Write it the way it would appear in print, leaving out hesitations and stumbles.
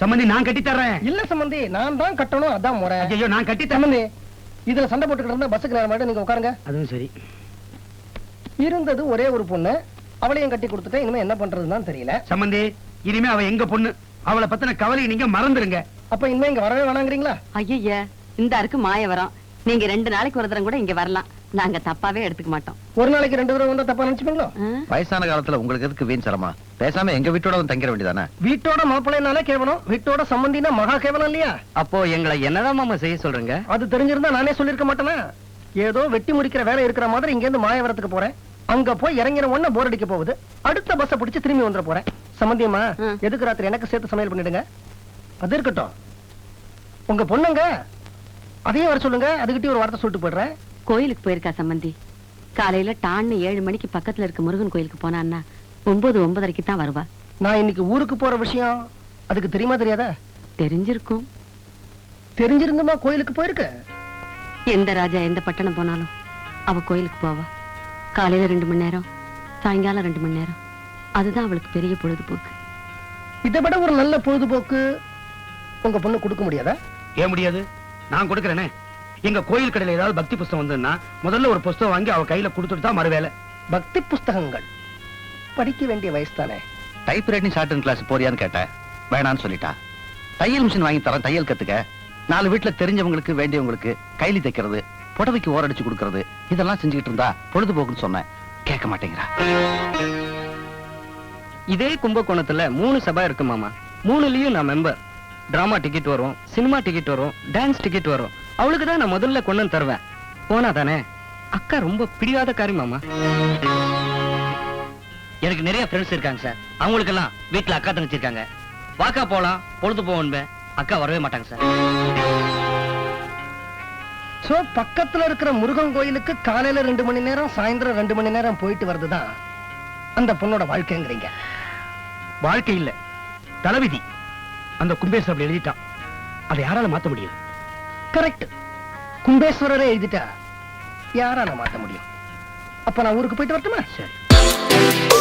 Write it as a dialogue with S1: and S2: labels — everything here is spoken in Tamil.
S1: சம்பந்தி நான் கட்டி தர்றேன்.
S2: இல்ல சம்பந்தி, நான் தான் கட்டணும், அதான் முறை.
S1: ஐயோ நான் கட்டி தரேன்.
S2: சம்பந்தி, இதுல சண்டை போட்டுக்கிட்டு இருந்தா பஸ்ஸுக்கு நேரம் ஆயிடும், நீங்க உட்காருங்க.
S1: அதுவும் சரி.
S2: இருந்தது ஒரே ஒரு பொண்ணு, அவளையும் கட்டி கொடுத்துட்டேன். இனிமே என்ன பண்றதுன்னு தெரியல.
S1: சம்பந்தி, இனிமே அவ எங்க பொண்ணு, அவளை பத்தின கவலையை நீங்க மறந்துருங்க.
S2: அப்ப இனிமே இங்க வரவே வேணாங்கிறீங்களா?
S3: ஐயா இந்த அருக்கு மாய வரோம். நீங்க 2 நாளைக்கு ஒரு தரம் கூட இங்க வரலாம். நாங்க தப்பாவே எடுத்துக்க மாட்டோம்.
S2: ஒரு நாளைக்கு 2 தடவை வந்தா தப்பா நினைச்சுப்பீங்களோ?
S4: வயசான காலத்துல உங்களுக்கு எதுக்கு வீண் சிரமா? பேசாம எங்க வீட்டோட வந்து தங்கிட வேண்டியதானே?
S2: வீட்டோட மாப்பிள்ளைனாலே கேவலம், வீட்டோட சம்பந்தினா மகா கேவலம் இல்லையா?
S1: அப்போ எங்களை என்னதான் மாமா செய்ய சொல்றீங்க?
S2: அது தெரிஞ்சிருந்தா நானே சொல்லிருக்க மாட்டேனா? ஏதோ வெட்டி முடிக்கிற வேலை இருக்கிற மாதிரி இங்க இருந்து மாயவரத்துக்கு போறேன். அங்க போய் இறங்கிற உடனே போர் அடிக்க போகுது. அடுத்த பஸ்ஸை பிடிச்சு திரும்பி வந்துட போறேன். சம்பந்தியம்மா, எதுக்கு ராத்திரி எனக்கு சேர்த்து சமையல் பண்ணிடுங்க. அது இருக்கட்டும், உங்க பொண்ணுங்க அதையும் வர சொல்லுங்க. அதுகிட்டயும் ஒரு வார்த்தை சொல்லிட்டு போயிடுறேன்.
S3: கோயிலுக்கு போயிருக்கா சம்பந்தி. காலையில டான்னு 7 மணிக்கு பக்கத்துல இருக்க முருகன் கோயிலுக்கு போனான்னா 9:30க்கு தான் வருவா.
S2: நான் இன்னைக்கு ஊருக்கு போற விஷயம் அதுக்கு தெரியுமா தெரியாதா?
S3: தெரிஞ்சிருக்கும்.
S2: தெரிஞ்சிருந்துமா கோயிலுக்கு போயிருக்கு?
S3: எந்த ராஜா எந்த பட்டணம் போனாலும் அவ கோயிலுக்கு போவா. காலையில 2 மணி நேரம், சாயங்காலம் 2 மணி நேரம். அதுதான் அவளுக்கு பெரிய பொழுதுபோக்கு.
S2: இதை விட ஒரு நல்ல பொழுதுபோக்கு உங்க பொண்ணு கொடுக்க முடியாதா?
S1: ஏன் முடியாது? நான் கொடுக்கறேனே. எங்க கோயில் கடையில ஏதாவது பக்தி புஸ்தகம் வந்ததுன்னா முதல்ல ஒரு புஸ்தகம் வாங்கி அவ கையில கொடுத்துட்டு தான் மறுவேலை.
S2: பக்தி புஸ்தகங்கள் படிக்க வேண்டிய வயசு தானே.
S4: டைப் ரைட்டிங் ஷார்ட் கிளாஸ் போறியான்னு கேட்டேன், வேணான்னு சொல்லிட்டா. தையல் மிஷின் வாங்கி தரேன், தையல் கத்துக்க. 4 வீட்டுல தெரிஞ்சவங்களுக்கு வேண்டியவங்களுக்கு கைலி தைக்கிறது, புடவைக்கு ஓரடிச்சு கொடுக்கறது, இதெல்லாம் செஞ்சுக்கிட்டு இருந்தா பொழுதுபோக்குன்னு சொன்னேன். கேட்க மாட்டேங்கிறா.
S5: இதே கும்பகோணத்துல 3 சபா இருக்கு மாமா. 3லயும் நான் மெம்பர். டிராமா டிக்கெட் வரும், சினிமா டிக்கெட் வரும், டான்ஸ் டிக்கெட் வரும். அவளுக்கு தான் நான் முதல்ல கொண்டு தருவேன். போனா தானே? அக்கா ரொம்ப பிடிவாத காரி மாமா.
S6: எனக்கு நிறைய ஃப்ரெண்ட்ஸ் இருக்காங்க சார். அவங்களுக்கெல்லாம் வீட்டுல அக்கா தங்கச்சி இருக்காங்க. வாக்கா போலாம், பொழுது போவோன்பேன். அக்கா வரவே மாட்டாங்க சார்.
S2: சோ பக்கத்துல இருக்கிற முருகன் கோயிலுக்கு காலையில 2 மணி நேரம், சாயந்தரம் 2 மணி நேரம் போயிட்டு வருதுதான் அந்த பொண்ணோட வாழ்க்கைங்கிறீங்க?
S1: வாழ்க்கை இல்ல, தலைவிதி. அந்த கும்பேஸ் அப்படி எழுதிட்டான். அதை யாரால மாத்த முடியும்?
S2: கரெக்ட். கும்பேஸ்வரரே எழுதிட்டா யாரால மாத்த முடியும்? அப்ப நான் ஊருக்கு போயிட்டு வரட்டுமா?
S1: சரி.